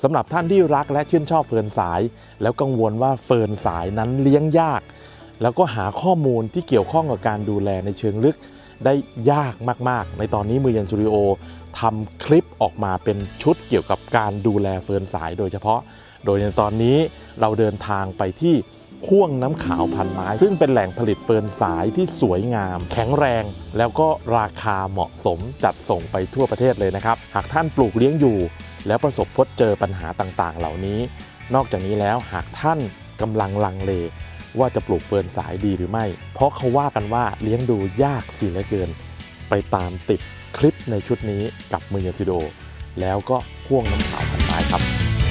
สำหรับท่านที่รักและชื่นชอบเฟิร์นสายแล้วกังวลว่าเฟิร์นสายนั้นเลี้ยงยากแล้วก็หาข้อมูลที่เกี่ยวข้องกับการดูแลในเชิงลึกได้ยากมากๆในตอนนี้มือเย็นสตูดิโอทำคลิปออกมาเป็นชุดเกี่ยวกับการดูแลเฟิร์นสายโดยเฉพาะโดยในตอนนี้เราเดินทางไปที่ห้วงน้ำขาวพันไม้ซึ่งเป็นแหล่งผลิตเฟิร์นสายที่สวยงามแข็งแรงแล้วก็ราคาเหมาะสมจัดส่งไปทั่วประเทศเลยนะครับหากท่านปลูกเลี้ยงอยู่แล้วประสบพบเจอปัญหาต่างๆเหล่านี้นอกจากนี้แล้วหากท่านกำลังลังเลว่าจะปลูกเฟิร์นสายดีหรือไม่เพราะเขาว่ากันว่าเลี้ยงดูยากเสียเหลือเกินไปตามติดคลิปในชุดนี้กับมือเย็นสตูดิโอแล้วก็ห้วงน้ำขาวพันไม้ครับ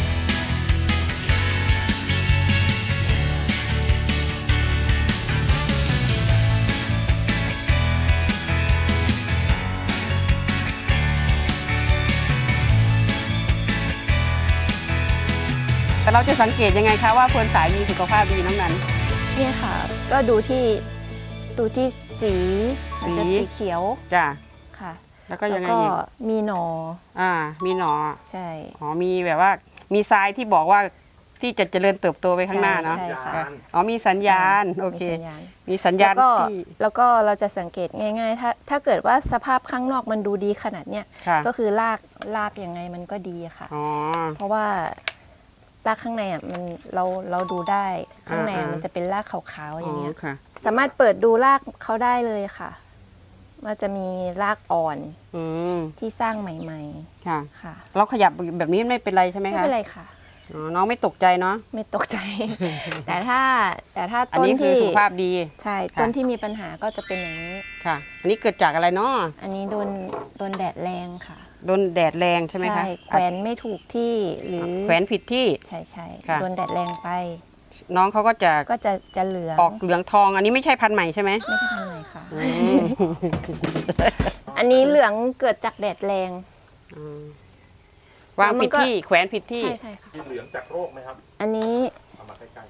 แต่เราจะสังเกตยังไงคะว่าเฟิร์นสายมีสุขภาพดีน้องนันเนี่ยค่ะก็ดูที่สีมันจะสีเขียวจ้ะค่ะแล้วก็ยังไงแล้วอีกมีหนอมีหน่อใช่อ๋อมีแบบว่ามีทรายที่บอกว่าที่จะเจริญเติบโตไปข้างหน้าเนาะใช่ค่ะอ๋อมีสัญญาณโอเคมีสัญญาณมีสัญญาณ ที่แล้วก็เราจะสังเกตง่ายๆถ้าเกิดว่าสภาพข้างนอกมันดูดีขนาดเนี้ยค่ะก็คือรากยังไงมันก็ดีค่ะอ๋อเพราะว่ารากข้างในอ่ะมันเราดูได้ข้างในอ่ะอ่ามัมันจะเป็นรากขาวๆอย่างเงี้ยค่ะสามารถเปิดดูรากเขาได้เลยค่ะว่าจะมีรากอ่อนอืมที่สร้างใหม่ค่ะๆค่ะเราขยับแบบนี้ไม่เป็นไรใช่ไหมไม่คะเป็นไรค่ะอ๋อน้องไม่ตกใจเนาะไม่ตกใจ แต่ถ้าอันต้นนี้คือที่สุขภาพดีใช่ค่ะต้นที่มีปัญหาก็จะเป็นอย่างนี้ค่ะ อันนี้เกิดจากอะไรเนาะอันนี้โดนแดดแรงค่ะโดนแดดแรงใช่ไหมคะแขวนไม่ถูกที่หรือแขวนผิดที่ใช่ค่ะโดนแดดแรงไปน้องเขาก็จะก็จะเหลืองออกเหลืองทอง อันนี้ไม่ใช่พันธุ์ใหม่ใช่ไหมไม่ใช่พันธุ์ไหนค่ะอืมอันนี้เหลืองเกิดจากแดดแรงวางผิดที่แขวนผิดที่ใช่ค่ะมีเหลืองจากโรคไหมครับอันนี้เอามาใกล้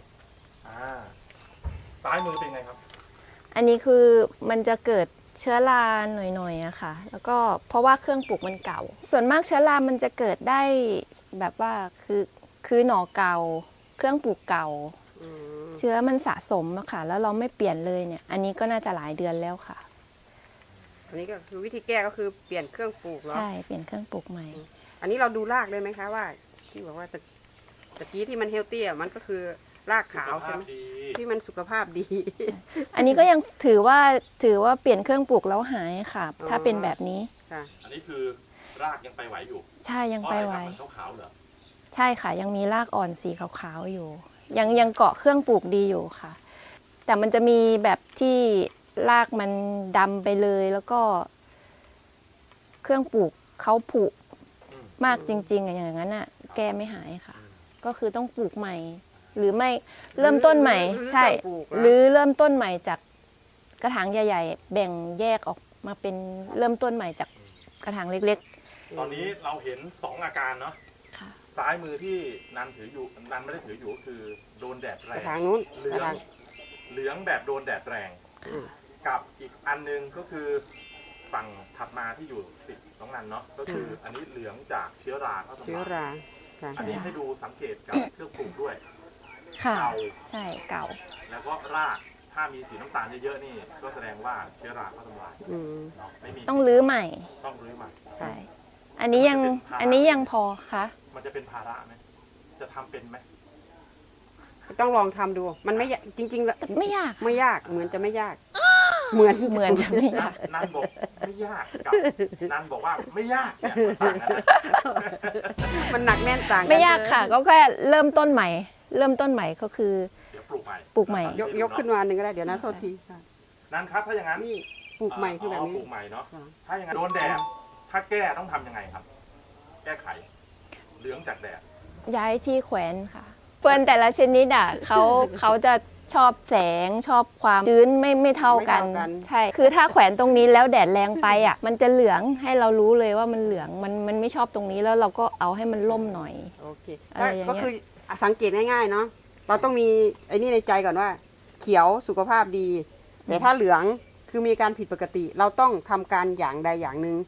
ๆซ้ายมือเป็นไงครับอันนี้คือมันจะเกิดเชื้อราหน่อยๆอะค่ะ แล้วก็เพราะว่าเครื่องปลูกมันเก่า ส่วนมากเชื้อรามันจะเกิดได้แบบว่าคือหน่อเก่า เครื่องปลูกเก่า เชื้อมันสะสมอะค่ะ แล้วเราไม่เปลี่ยนเลยเนี่ย อันนี้ก็น่าจะหลายเดือนแล้วค่ะอันนี้ก็คือวิธีแก้ก็คือเปลี่ยนเครื่องปลูกเหรอใช่เปลี่ยนเครื่องปลูกใหม่อันนี้เราดูรากเลยไหมคะว่า ที่บอกว่าตะกี้ที่มันเฮลตี้อ่ะมันก็คือรากขาวใช่ไหมที่มันสุขภาพดีอันนี้ก็ยังถือว่าเปลี่ยนเครื่องปลูกแล้วหายค่ะ ถ้าเป็นแบบนี้ค่ะอันนี้คือรากยังไปไหวอยู่ใช่ยังไปไหวเพราะอะไรครับมันขาวๆเหรอใช่ค่ะ ยังมีรากอ่อนสีขาวๆอยู่ ยังเกาะเครื่องปลูกดีอยู่ค่ะ แต่มันจะมีแบบที่รากมันดำไปเลยแล้วก็ เครื่องปลูกเขาผุมากจริงๆอะอย่างนั้นอ่ะ แก้ไม่หายค่ะ ก็คือต้องปลูกใหม่ หรือไม่เริ่มต้นใหม่ ใช่ หรือเริ่มต้นใหม่จากกระถางใหญ่ๆแบ่งแยกออกมาเป็นเริ่มต้นใหม่จากกระถางเล็กตอนนี้เราเห็น 2 อาการเนาะๆค่ะซ้ายมือที่นันถืออยู่นันไม่ได้ถืออยู่ก็คือโดนแดดแรกระงถางนู้นเหลืกระอถาง งเหลืองแบบโดนแดดแรงอืมกับอีกอันนึงก็คือฝั่งถัดมาที่อยู่ติดน้องนันเนาะก็คืออันนี้เหลืองจากเชื้อราเข้าทำเชื้อลายราค่ะอันนี้ให้ดูสังเกตกับเครื่องปรุงด้วยค่ะเก่าใช่เก่าแล้วก็รากถ้ามีสีน้ำตาลเยอะๆนี่ก็แสดงว่าเชื้อราเข้าทำลายอืมเนาะไม่มีต้องรื้อใหม่ต้องรื้อใหม่ใช่ อันนี้ยังพอคะมันจะเป็นภาระไหมจะทำเป็นไหมต้องลองทำดูมันไม่ยากจริงๆแล้วแต่ไม่ยากไม่ยากเหมือนจะไม่ยาก เหมือนเหมือนจะไม่ยากนันบอกไม่ยากกับนันบอกว่าไม่ยากเนี่ยมันต่างกันนะมันหนักแน่นต่างกันไม่ยากเลยค่ะ ก็แค่เริ่มต้นใหม่ เริ่มต้นใหม่ก็คือเดี๋ยวปลูกใหม่ปลูกใหม่ยกขึ้นมาหนึ่งก็ได้เดี๋ยวนะโทษทีค่ะนั่นครับถ้าอย่างนั้นนี่ปลูกใหม่คือแบบปนี้ลูกใหม่เนาะค่ะถ้าอย่างนั้นโดนแดดถ้าแก้ต้องทำยังไงครับ แก้ไขเหลืองจากแดดย้ายที่แขวนค่ะเฟิร์นแต่ละชนิดอ่ะเขาจะชอบแสงชอบความชื้นไม่เท่ากันไม่เท่ากันใช่คือถ้าแขวนตรงนี้แล้วแดดแรงไปอ่ะ มันจะเหลืองให้เรารู้เลยว่ามันเหลืองมันไม่ชอบตรงนี้แล้วเราก็เอาให้มันล่มหน่อยโอเคอะไรอย่างเงี้ยก็คือสังเกตง่ายๆเนาะเราต้องมีไอ้นี่ในใจก่อนว่า เขียวสุขภาพดี แต่ถ้าเหลืองคือมีการผิดปกติ เราต้องทำการอย่างใดอย่างหนึ่ง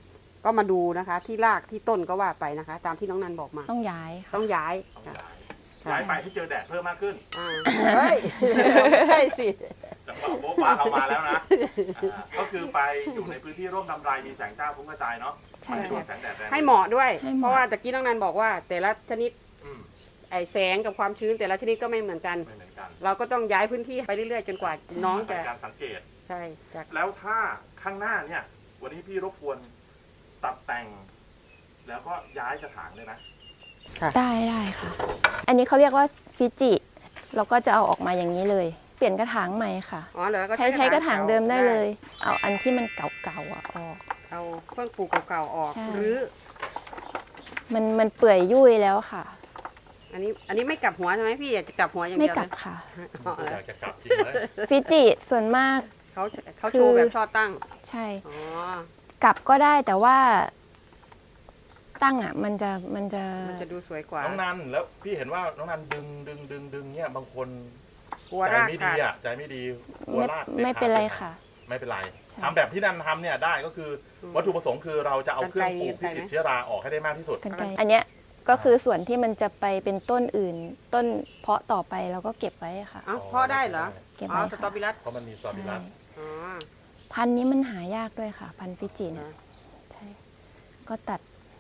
ก็มาดูนะคะ ที่รากที่ต้นก็ว่าไปนะคะ ตามที่น้องนันบอกมาต้องย้ายค่ะต้องย้ายต้องค่ะย้ายไปให้เจอแดดเพิ่มมากขึ้นเฮ้ย ไม่ใช่สิจังหวะโบ๊ะบ้าเรามาแล้วนะก็คือไปอยู่ในพื้นที่ร่มรำไรมีแสงจ้าฟุ้งกระจายเนาะใช่ไม่ช่วงแสงแดดแรงให้เหมาะด้วยให้เหมาะเพราะว่าตะกี้น้องนันบอกว่า แต่ละชนิดอืมไอแสงกับความชื้นแต่ละชนิดก็ไม่เหมือนกันไม่เหมือนกันเราก็ต้องย้ายพื้นที่ไปเรื่อยๆ จนกว่าน้องในจะการสังเกตใช่จากแล้วถ้าข้างหน้าเนี่ย วันนี้พี่รบกวนตัดแต่ง แล้วก็ย้ายกระถางเลยนะได้ค่ะ อันนี้เขาเรียกว่าฟิจิเราก็จะเอาออกมาอย่างนี้เลย เปลี่ยนกระถางใหม่ค่ะอ๋อเหรอก็ใช้กระถางเดิมได้เลย เอาอันที่มันเก่าๆอะออกเอาเครื่องปลูกเก่าๆออกใช่หรือมันเปื่อยยุ่ยแล้วค่ะอันนี้ไม่กลับหัวใช่ไหมพี่อยากจะกลับหัวอย่างไม่เดียวกลัเลบยค่ะอ๋อเหรออยากจะกลับจริงเลยฟิจิส่วนมากเขาโชว์แบบช่อตั้งใช่อ๋อกลับก็ได้แต่ว่าตั้งอ่ะมันจะมันจะดูสวยกว่าน้องนันแล้วพี่เห็นว่าน้องนันดึงเนี่ยบางคนกลัวใจรากไม่ขาดีดอ่ะใจไม่ดีกลัวไม่รากไม่เป็นไรค่ะไม่เป็นไรใช่ทำแบบที่นันทำเนี่ยได้ก็คืออมวัตถุประสงค์คือเราจะเอาเครื่องปลูกกรรไกรที่มีติดไหมเชื้อราออกให้ได้มากที่สุดกันไกลอันเนี้ยก็คือส่วนที่มันจะไปเป็นต้นอื่น ต้นเพาะต่อไปเราก็เก็บไว้ค่ะเอ้าพ่อได้เหรอเก็บอ๋อไว้สตรอค่ะเบอรัสเพราะมันมีซอบิลัสอ๋อพันธุ์นี้มันหายากด้วยค่ะ พันธุ์ฟิจิเนี่ยใช่ก็ตัด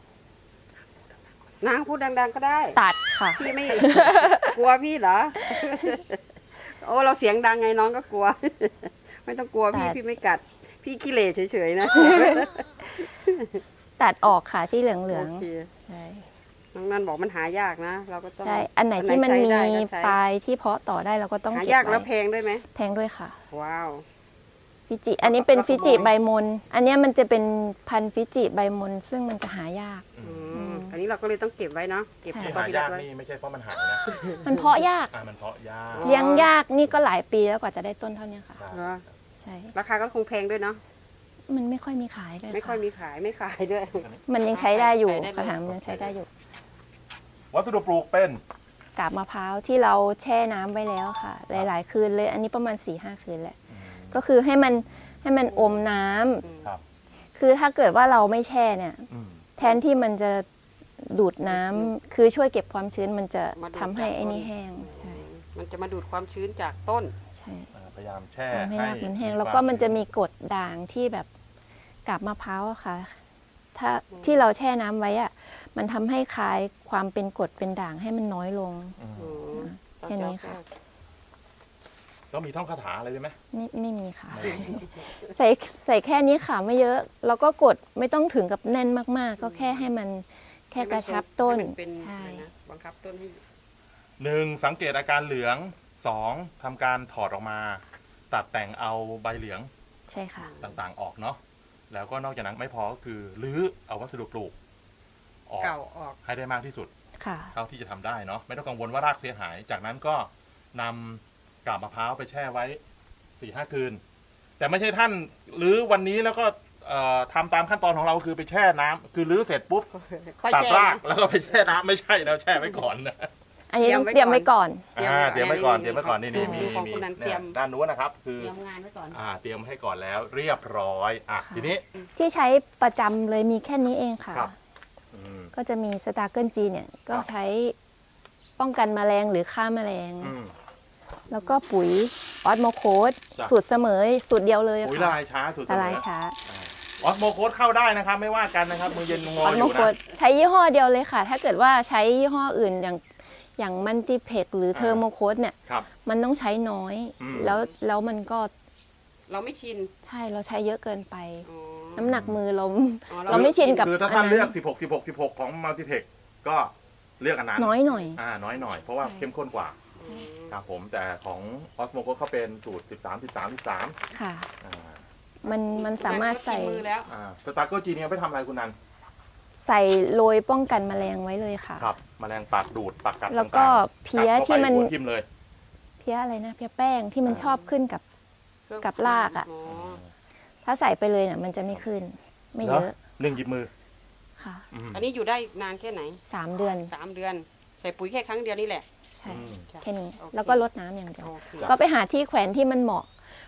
นางพูดดังๆก็ได้ตัดค่ะพี่ไม่ กลัวพี่เหรอ โอ้เราเสียงดังไงน้องก็กลัว ไม่ต้องกลัวพี่แต่พี่ไม่กัด พี่ขี้เหร่เฉยๆนะตัดออกค่ะที่เหลืองโอเคๆใช่น้องนันบอกมันหายากนะ เราก็ต้องใช่อันไหนที่มันใช้มีได้ก็ใช้ปลายที่เพาะต่อได้เราก็ต้องหาเก็บยากแล้วไว้แพงด้วยไหมแพงด้วยค่ะว้าวฟิจิ อันนี้เป็นแล้วก็ฟิจิขโมยใบมน อันเนี้ยมันจะเป็นพันธุ์ฟิจิใบมน ซึ่งมันจะหายากอันนี้เราก็เลยต้องเก็บไว้เนาะ เก็บใช่สที่ตรอหาเบอรัยาสกไว้นี่ไม่ใช่เพราะมันหายนะมันเพาะยากมันเพาะยากอ๋อเลี้ยงยากนี่ก็หลายปีแล้วกว่าจะได้ต้นเท่านี้ค่ะใช่เหรอใช่ราคาก็คงแพงด้วยเนาะมันไม่ค่อยมีขายด้วยไม่ค่อยค่ะมีขายไม่ขายด้วยมันยังใช้ได้อยู่ใช้ได้เลยกระถางมันยังใช้ได้อยู่วัสดุปลูกเป็นกาบมะพร้าวที่เราแช่น้ำไว้แล้วค่ะ หลาย ๆ คืนเลย อันนี้ประมาณ 4-5 คืนแหละ ก็คือให้มันอมน้ำครับคือถ้าเกิดว่าเราไม่แช่เนี่ยอืมแทนที่มันจะดูดน้ำคือช่วยเก็บความชื้นมันจะมาดูดทำให้จากไอ้นี่ต้นแห้งใช่มันจะมาดูดความชื้นจากต้นใช่พยายามแช่ทำให้รากมันแห้งให้แล้วก็มันจะมีกรดด่างที่แบบกาบมะพร้าวอะค่ะ ถ้าที่เราแช่น้ำไว้อะมันทำให้คลายความเป็นกรดเป็นด่างให้มันน้อยลงอืมอืมแค่นี้ค่ะแล้วมีท่องคาถาอะไรด้วยไหมไม่มีค่ะ ใส่แค่นี้ค่ะไม่เยอะ แล้วก็กดไม่ต้องถึงกับแน่นมากๆ ก็แค่ให้มันแค่กระชับต้นให้มันเป็นใช่อะไรนะบังคับต้นให้ 1. สังเกตอาการเหลือง 2. ทำการถอดออกมา ตัดแต่งเอาใบเหลืองใช่ค่ะต่างๆออกเนาะแล้วก็นอกจากนั้นไม่พอก็คือรื้อเอาวัสดุปลูกออกเก่าออกให้ได้มากที่สุดค่ะเท่าที่จะทำได้เนาะไม่ต้องกังวลว่ารากเสียหาย จากนั้นก็นำกาบมะพร้าวไปแช่ไว้ 4-5 คืน แต่ไม่ใช่ท่านรื้อวันนี้แล้วก็ทำตามขั้นตอนของเราคือไปแช่น้ำคือรื้อเสร็จปุ๊บค่อยตัดแช่รากแล้วก็ไปแช่น้ำไม่ใช่นะแช่ไว้ก่อนนะอันนี้ต้องเตรียมไว้ก่อนเตรียมไว้ก่อนเตรียมไว้ก่อนนี่ดูมีของคุณนันเตรียมด้านนู้นนะครับ คือเตรียมงานไว้ก่อนเตรียมให้ก่อนแล้วเรียบร้อยทีนี้ที่ใช้ประจำเลยมีแค่นี้เองค่ะครับก็จะมีสตาร์เกิลจีเนี่ยก็ครับใช้ป้องกันแมลงหรือฆ่าแมลงอืมแล้วก็ปุ๋ยออสโมโคสจ้ะสูตรเสมอสูตรเดียวเลยปุ๋ยละค่ะลายช้าสุดละลายช้าออสโมโคสเข้าได้นะครับ ไม่ว่ากันนะครับ มือเย็นงอออสอโมยู่โคนะสใช้ยี่ห้อเดียวเลยค่ะ ถ้าเกิดว่าใช้ยี่ห้ออื่นอย่างมันติเพกหรือเทอร์โมโคสเนี่ยครับมันต้องใช้น้อยอืมแล้วมันก็เราไม่ชินใช่เราใช้เยอะเกินไปอ๋อน้ำหนักมือเราอ๋อเราไม่ชินกับคือถ้าท่านอันนั้นเลือก 16 ของมัลติเทคก็เลือกอันนั้นน้อยหน่อยน้อยหน่อย เพราะว่าใช่เข้มข้นกว่าอืมครับผมแต่ของออสโมโคสเขาเป็นสูตร 13 ค่ะอ่ามันสามารถใส่ชินมือแล้วสตาร์เกิลจีเนี่ยไปทำอะไรคุณนันใส่โรยป้องกันแมลงไว้เลยค่ะครับแมลงปากดูดปากกัดแล้วก็ต่างๆเพี้ยกัดข้าที่ไปมันหัวทิ่มเลยเพี้ยอะไรนะเพี้ยแป้งที่มันชอบขึ้นกับ กับรากอะ ถ้าใส่ไปเลยเนี่ยมันจะไม่ขึ้น ไม่เยอะหนึ่งหยิบมือค่ะอันนี้อยู่ได้นานแค่ไหน 3 เดือน 3 เดือน ใส่ปุ๋ยแค่ครั้งเดียวนี่แหละใช่อืมแค่นี้โอเคแล้วก็ลดน้ำอย่างเดียวโอเคก็ไปหาที่แขวนที่มันเหมาะ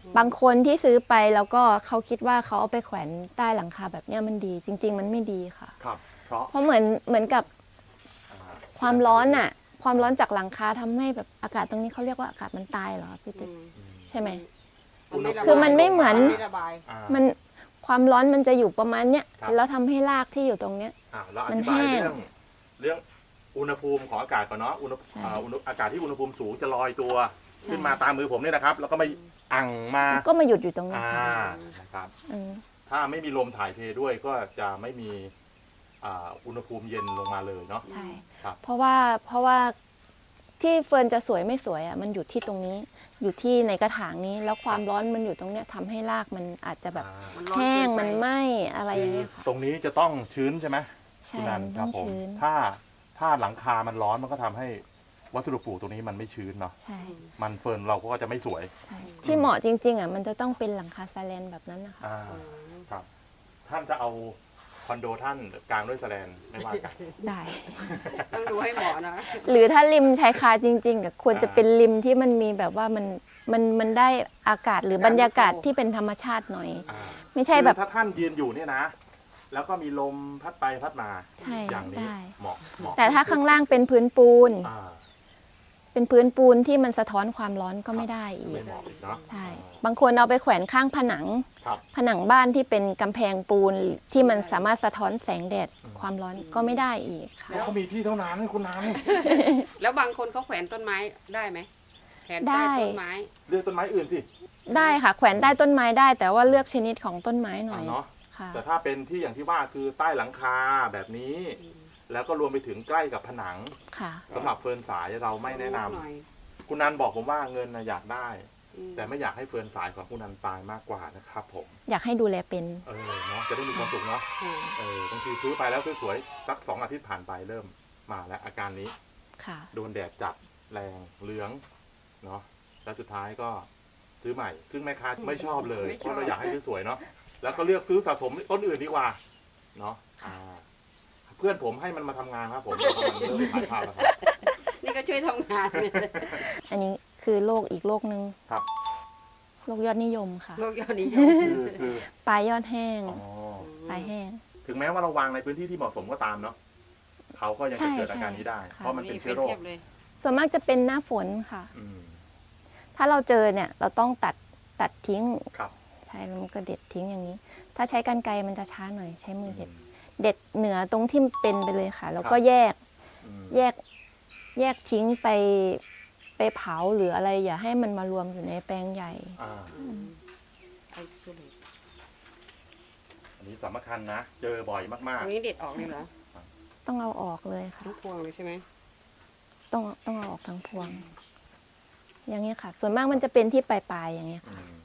บางคนที่ซื้อไปแล้วก็เขาคิดว่าเขาเอาไปแขวนใต้หลังคาแบบเนี้ยมันดี จริง ๆ มันไม่ดีค่ะครับ เพราะเพราะเหมือนกับอ่าความร้อนอะความร้อนจากหลังคาทำให้แบบอากาศตรงนี้เขาเรียกว่าอากาศมันตายเหรอพี่ติ๊กใช่ไหม คือมันไม่เหมือนไม่ระบายอ่ามันความร้อนมันจะอยู่ประมาณเนี้ยครับแล้วทำให้รากที่อยู่ตรงเนี้ยเราอมันธิบายแห้งเรื่องอุณหภูมิของอากาศก่อนเนาะใช่อากาศที่อุณหภูมิสูงจะลอยตัวขึ้นมาตามมือผมเนี่ยนะครับ แล้วก็ไม่อั่งมาก็มาหยุดอยู่ตรงนี้นะครับอืมถ้าไม่มีลมถ่ายเทด้วยก็จะไม่มีอุณหภูมิเย็นลงมาเลยเนาะใช่ครับเพราะว่าที่เฟิร์นจะสวยไม่สวยอ่ะมันอยู่ที่ตรงนี้ อยู่ที่ในกระถางนี้ แล้วความร้อนมันอยู่ตรงเนี้ยทำให้รากมันอาจจะแบบมันร้อนแห้งเกินไปมันไหม้อะไรอคืย่างอเงี้ยค่ะตรงนี้จะต้องชื้นใช่ไหมใช่คุณนันมันคต้รัอบ งผมชื้นถ้าหลังคามันร้อนมันก็ทำให้วัสดุปลูกตรงนี้มันไม่ชื้นเนาะใช่มันเฟิร์นเราก็จะไม่สวยใช่ที่เหมาะจริงๆอ่ะมันจะต้องเป็นหลังคาซาแลนแบบนั้นนะคะครับ ท่านจะเอาคอนโดท่านกลางด้วยแสแลนไม่ว่ากันได้ต้องดูให้เหมาะนะหรือถ้าริมชายคาจริงๆก็ควรจะเป็นริมที่มันมีแบบว่ามันได้อากาศหรือบรรยากาศที่เป็นธรรมชาติหน่อย ไม่ใช่แบบคือถ้าท่านยืนอยู่เนี่ยนะ แล้วก็มีลมพัดไปพัดมาใช่อย่างนี้ได้เหมาะแต่ถ้าข้างล่างเป็นพื้นปูนอ่าเป็นพื้นปูนที่มันสะท้อนความร้อนก็ไม่ได้อีไม่กเหมาะอีกเนาะใช่ บางคนเอาไปแขวนข้างผนังครับผนังบ้านที่เป็นกำแพงปูนที่มันสามารถสะท้อนแสงแดดความร้อนก็ไม่ได้อีกค่ะเพราะเขามีที่เท่านั้นคุณนันแล้วบางคนเขาแขวนต้นไม้ได้ไหมแขวนได้ใต้ต้นไม้เลือกต้นไม้อื่นสิได้ค่ะ แขวนใต้ต้นไม้ได้ แต่ว่าเลือกชนิดของต้นไม้หน่อยเนาะค่ะแต่ถ้าเป็นที่อย่างที่ว่าคือใต้หลังคาแบบนี้ แล้วก็รวมไปถึงใกล้กับผนังค่ะสำหรับเฟิร์นสายเราไม่แนะนำหน่อยคุณนันบอกผมว่าเงินนะอยากได้อืมแต่ไม่อยากให้เฟิร์นสายของคุณนันตายมากกว่านะครับผมอยากให้ดูแลเป็นเนาะจะได้มีความสุขเนาะอืมบางทีซื้อไปแล้วสวยๆสัก2 อาทิตย์ผ่านไปเริ่มมาแล้วอาการนี้ค่ะโดนแดดจัดแรงเหลืองเนาะแล้วสุดท้ายก็ซื้อใหม่ ซึ่งแม่ค้าไม่ชอบเลยเพราะเราอยากให้สวยๆเนาะแล้วก็เลือกซื้อสะสมต้นอื่นดีกว่าเนาะเพื่อนผมให้มันมาทำงานครับผมเพราะมันเริ่มขายข้าวแล้วครับนี่ก็ช่วยทำงานอันนี้คือโรคอีกโรคนึงครับโรคยอดนิยมค่ะโลกยอดนิยมคือปลายยอดแห้งอ๋อปลายแห้งถึงแม้ว่าเราวางในพื้นที่ที่เหมาะสมก็ตามเนาะเขาก็ยังจะเกิดอาการนี้ได้ใช่เพราะมันเป็นเชื้อโรคทียบเลยส่วนมากจะเป็นหน้าฝนค่ะอืมถ้าเราเจอเนี่ยเราต้องตัดทิ้งครับใช่แล้วมันก็เด็ดทิ้งอย่างนี้ ถ้าใช้กรรไกรมันจะช้าหน่อยใช้มือเด็ดเหนือตรงที่เป็นไปเลยค่ะ แล้วก็แยกอืมแยกทิ้งไปเผาหรืออะไรอย่าให้มันมารวมอยู่ในแปลงใหญ่อ่าไอ้สุดเลยอันนี้สำคัญนะ เจอบ่อยมากตรงนี้เด็ดออกเลยเหรอต้องเอาออกเลยค่ะทั้งพวงเลยใช่ไหมต้องเอาออกทั้งพวง อย่างเงี้ยค่ะ ส่วนมากมันจะเป็นที่ปลายๆอย่างเงี้ยๆอืม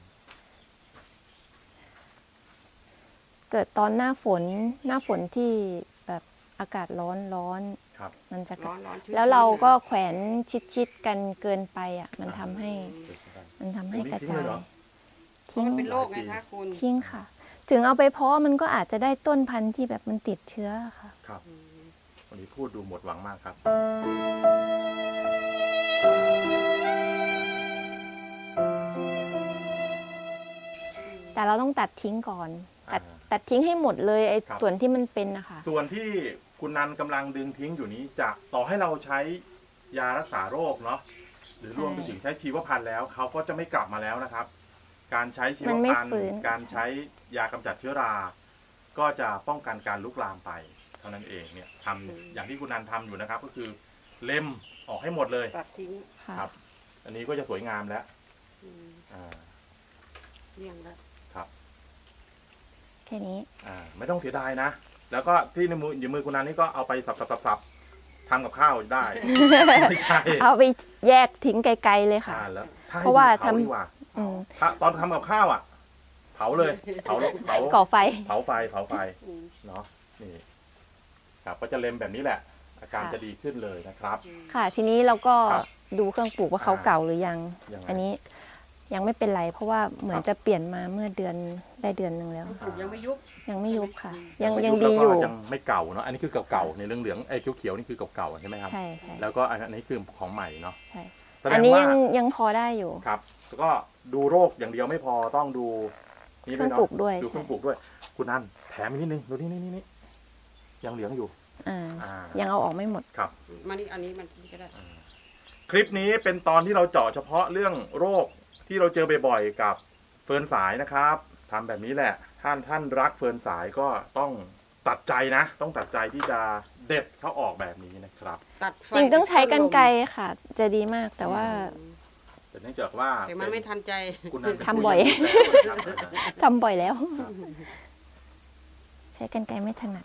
เกิดตอนหน้าฝนที่แบบอากาศร้อนครับมันจะร้อนร้อนชื้นแล้วเราก็ชื้นแขวนชิดกันเกินไปอ่ะ มันทำให้เดี๋ยวก่อนกระทิ้งจาเลย ยเหรอเพราะมันเป็นโรคไงคะคุณทิ้งค่ะ ถึงเอาไปเพาะมันก็อาจจะได้ต้นพันธุ์ที่แบบมันติดเชื้อค่ะครับ วันนี้พูดดูหมดหวังมากครับแต่เราต้องตัดทิ้งก่อนอ่าตัดทิ้งให้หมดเลยไอ้ครับส่วนที่มันเป็นนะคะส่วนที่คุณนันกำลังดึงทิ้งอยู่นี้จะต่อให้เราใช้ยารักษาโรคเนาะหรือรวมไปถึงใช้ชีวพันธุ์แล้วเขาก็จะไม่กลับมาแล้วนะครับ การใช้ชีวมันไม่พันธุ์ฟื้นการใช้ยากำจัดเชื้อรา ก็จะป้องกันการลุกลามไปเท่านั้นเองเนี่ยทำอย่างที่คุณนันทำอยู่นะครับ ก็คือเล็มออกให้หมดเลยตัดทิ้งค่ะครับ อันนี้ก็จะสวยงามแล้วอืมอ่าเลี่ยงแล้วแค่นี้ไม่ต้องเสียดายนะ แล้วก็ที่ในมืออยู่มือคุณนันนี่ก็เอาไปสับทำกับข้าวได้ ไม่ใช่เอาไปแยกทิ้งไกลๆเลยค่ะแล้วถ้ให้เพราะว่าดูเผทำดีกว่าอืมถ้าตอนทำกับข้าวอ่ะ เผาเลย เผาก่อไฟเผาไฟอืมเนาะนี่ครับก็จะเล็มแบบนี้แหละ อาการค่ะจะดีขึ้นเลยนะครับค่ะ ทีนี้เราก็ครับดูเครื่องปลูกว่าเขาเก่าหรือยังยังไงอันนี้ยังไม่เป็นไร เพราะว่าเหมือนครับจะเปลี่ยนมาเมื่อเดือนได้เดือนหนึ่งแล้วปลูกยังไม่ยุบยังไม่ยุบค่ะยัยังไม่ดีแล้วอก็ยู่ยังไม่เก่าเนาะอันนี้คือเก่าๆในเหลืองๆไอ้เขียวๆนี่คือเก่าๆใช่ไหมครับใช่ใช่แล้วก็อันนี้คือของใหม่เนาะใช่แสดอันงนี้ว่ายังพอได้อยู่ครับแล้วก็ดูโรคอย่างเดียวไม่พอต้องดูนี่เครื่ด้อวยงปลูกด้วยดูเครื่องปลูกด้วย คุณนันแถมอีกนิดนึงดูนี่ยังเหลืองอยู่ยังเอาออกไม่หมดครับมานี่อันนี้มันก็ได้คลิปนี้เป็นตอนที่เราเจาะเฉพาะเรื่องโรคที่เราเจอบ่อยๆกับเฟิร์นสายนะครับทำแบบนี้แหละท่านรักเฟิร์นสายก็ต้องตัดใจนะ ต้องตัดใจที่จะเด็ดเขาออกแบบนี้นะครับตัดไฟจริงต้องใช้กรรไกรค่ะ จะดีมากแต่ว่าแต่เนื่องจากว่าแต่มันไม่ทันใจคุณนันเป็นทำบ่อยผู้หญิงนะครับทำบ่อยแล้ว ใช้กรรไกรไม่ถนัด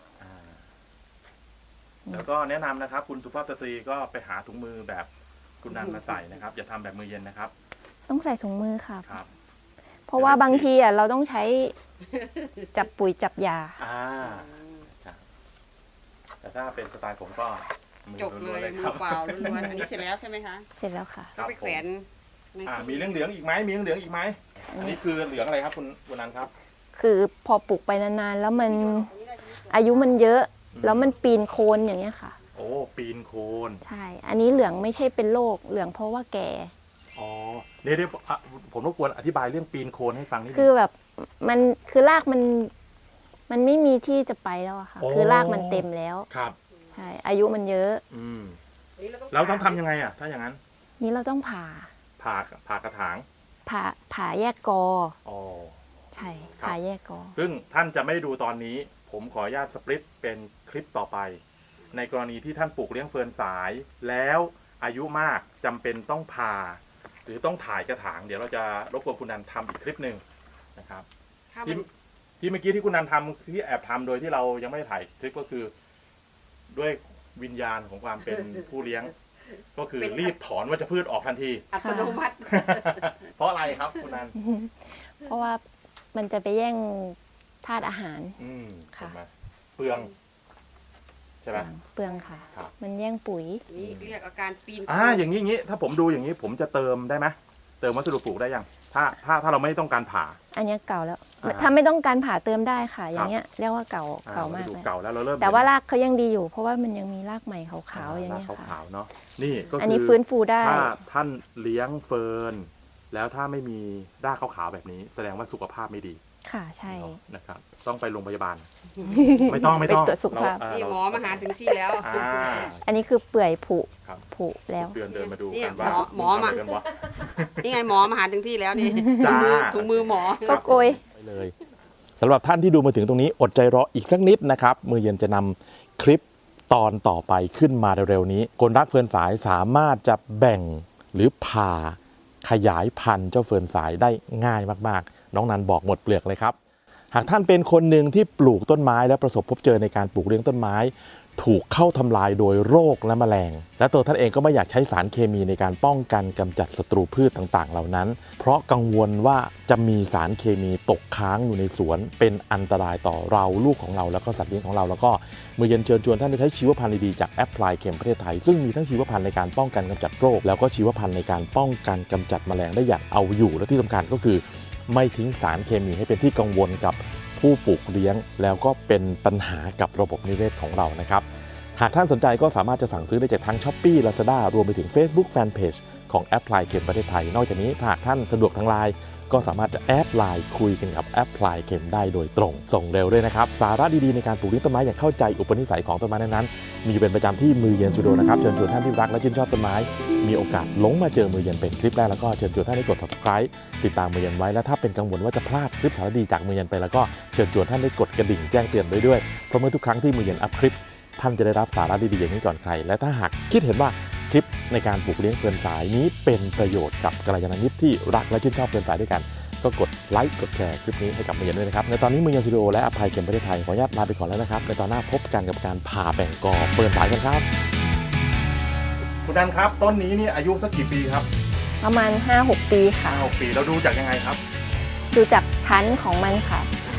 แล้วก็แนะนำนะครับ คุณสุภาพสตรีก็ไปหาถุงมือแบบคุณนันมาใส่นะครับ อย่าทำแบบมือเย็นนะครับต้องใส่ถุงมือค่ะครับเพราะว่าบางทีเราต้องใช้จับปุ๋ยจับยาครับแต่ถ้าเป็นสไตล์ผมก็มือจบเลล้วนยๆเลยมืครัอบ เปล่าล้วนๆอันนี้เสร็จแล้วใช่ไหมคะเสร็จแล้วค่ะครัก็บไปแขวนในมีที่เหลืองๆอีกไหมมีเหลืองๆอีกไหมอันนี้คือเหลืองอะไรครับคุณนันครับคือพอปลูกไปนานๆแล้วมันอายุมันเยอะ แล้วมันปีนโคนอย่างเงี้ยค่ะโอ้ปีนโคนใช่ อันนี้เหลืองไม่ใช่เป็นโรคเหลืองเพราะว่าแก่อ๋อเนี่ยผมรบกวนอธิบายเรื่องปีนโคนให้ฟังนิดนึคือง แบบมันคือรากมันไม่มีที่จะไปแล้วอะค่ะโอ้คือรากมันเต็มแล้วครับใช่ อายุมันเยอะเราต้องทำยังไงอ่ะถ้าอย่างนั้นนี่เราต้องผ่าผ่ากระถางผ่าแยกกออ๋อใช่ครับผ่าแยกกอซึ่งท่านจะไม่ดูตอนนี้ ผมขออนุญาตสปริตเป็นคลิปต่อไป ในกรณีที่ท่านปลูกเลี้ยงเฟิร์นสาย แล้วอายุมากจำเป็นต้องผ่า หรือต้องถ่ายกระถาง เดี๋ยวเราจะรบกวนคุณนันทำอีกคลิปหนึ่งนะครับถ้ามัที่นที่เมื่อกี้ที่คุณนันทำที่แอบทำโดยที่เรายังไม่ได้ถ่ายคลิปก็คือ ด้วยวิญญาณของความเป็นผู้เลี้ยง ก็คือรีบถอนวัชพืชออกทันทีอัตโนมัติเพราะอะไรครับคุณนันเพราะว่ามันจะไปแย่งธาตุอาหาร ค่ะเห็นไหมเปลือง ใช่ไหมเปลืองค่ะครับมันแย่งปุ๋ยนี่เรียกอาการปีนอย่างนี้ถ้าผมดูอย่างนี้ผมจะเติมได้ไหมเติมวัสดุปลูกได้ยังถ้าเราไม่ต้องการผ่าอันเนี้ยเก่าแล้วอ่าถ้าไม่ต้องการผ่าเติมได้ค่ะ อย่างเงี้ยเรียกว่าเก่ามากวัสดุเลยเก่าแล้วเราเริ่มแต่ว่ารากเขายังดีอยู่ เพราะว่ามันยังมีรากใหม่ขาวๆอย่างรากเงี้ยค่ะขาวๆเนาะนี่ก็อันคืนี้อฟื้นฟูได้ถ้าท่านเลี้ยงเฟิร์นแล้วถ้าไม่มีรากขาวๆแบบนี้ แสดงว่าสุขภาพไม่ดีค่ะใช่เนาะนะครับต้องไปโรงพยาบาล ไม่ต้องไปตรวจสุขภาพนี่หมอมาหาถึงที่แล้วอันนี้คือเปื่อยผุครับผุแล้วเดินมาดูนี่กันว่าหมอมาทำะไรกันวะนี่ไงหมอมาหาถึงที่แล้วนี่จ้าถุงมือหมอก็โกยไปเลยสำหรับท่านที่ดูมาถึงตรงนี้อดใจรออีกสักนิดนะครับมือเย็นจะนำคลิปตอนต่อไปขึ้นมาเร็วๆนี้คนรักเฟิร์นสายสามารถจะแบ่งหรือผ่าขยายพันธุ์เจ้าเฟิร์นสายได้ง่ายมากๆ น้องนันบอกหมดเปลือกเลยครับ หากท่านเป็นคนหนึ่งที่ปลูกต้นไม้และประสบพบเจอในการปลูกเลี้ยงต้นไม้ ถูกเข้าทำลายโดยโรคและแมลง และตัวท่านเองก็ไม่อยากใช้สารเคมีในการป้องกันกำจัดศัตรูพืชต่างๆ เหล่านั้น เพราะกังวลว่าจะมีสารเคมีตกค้างอยู่ในสวน เป็นอันตรายต่อเราลูกของเราแล้วก็สัตว์เลี้ยงของเราแล้วก็มือเย็นเชิญชวนท่านได้ใช้ชีวพันธุ์ดีๆจากแอปพลายเข็มประเทศไทยซึ่งมีทั้งชีวพันธุ์ในการป้องกันกำจัดโรคแล้วก็ชีวพันธุ์ในการป้องกันกำจัดแมลงได้อย่างเอาอยู่และที่สำคัญก็คือ ไม่ทิ้งสารเคมีให้เป็นที่กังวลกับผู้ปลูกเลี้ยง แล้วก็เป็นปัญหากับระบบนิเวศของเรานะครับ หากท่านสนใจก็สามารถจะสั่งซื้อได้จากทั้ง Shopee Lazada รวมไปถึง Facebook Fanpage ของแอปพลายเข็มประเทศไทย นอกจากนี้หากท่านสะดวกทางไลน์ก็สามารถจะแอดไลน์คุยกันกับแอปพลายเข็มได้โดยตรง ส่งเร็วด้วยนะครับ สาระดีๆในการปลูกเลี้ยงต้นไม้อย่างเข้าใจอุปนิสัยของต้นไม้นั้นๆมีอยู่เป็นประจำที่มือเย็นสตูดิโอนะครับเชิญชวนท่านที่รักและชื่นชอบต้นไม้มีโอกาสหลงมาเจอมือเย็นเป็นคลิปแรกแล้วก็เชิญชวนท่านได้กด Subscribe ติดตามมือเย็นไว้และถ้าเป็นกังวลว่าจะพลาดคลิปสาระดีจากมือเย็นไปแล้วก็เชิญชวนท่านได้กดกระดิ่งแจ้งเตือนไว้ด้วยเพราะเมื่อทุกครั้งที่มือเย็นอัพคลิปท่านจะได้รับสาระดีๆอย่างนี้ก่อนใครและถ้าหากคิดเห็นว่าคลิปในการปลูกเลี้ยงเฟิร์นสายนี้เป็นประโยชน์กับกัลยาณมิตรที่รักและชื่นชอบเฟิร์นสายด้วยกันก็กดไลค์กดแชร์คลิปนี้ให้กับมือเย็นด้วยนะครับในตอนนี้มือเย็นสตูดิโอและอภัยเข็มประเทศไทยขออนุญาตลาไปก่อนแล้วนะครับในตอนหน้าพบกันกับการผ่าแบ่งกอเฟิร์นสายกันครับคุณนันครับต้นนี้นี่อายุสักกี่ปีครับประมาณ 5-6 ปีค่ะ 6 ปีเราดูจากยังไงครับดูจากชั้นของมันค่ะ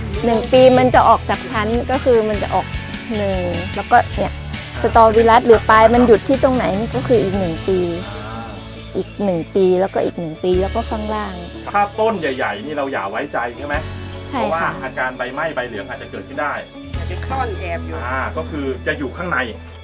1 ปีมันจะออกจากชั้นก็คือมันจะออก1แล้วก็เนี่ยสตอวิรัสหรือปลายมันหยุดที่ตรงไหนนี่ก็คืออีก1 ปีอีก1 ปีแล้วก็อีก1 ปีแล้วก็ข้างล่างถ้าต้นใหญ่ๆนี่เราอย่าไว้ใจใช่ไหมเพใช่ราะว่าค่ะอาการใบไหม้ใบเหลืองอาจจะเกิดขึ้นได้เป็นต้อนแอบอยู่ก็คือจะอยู่ข้างใน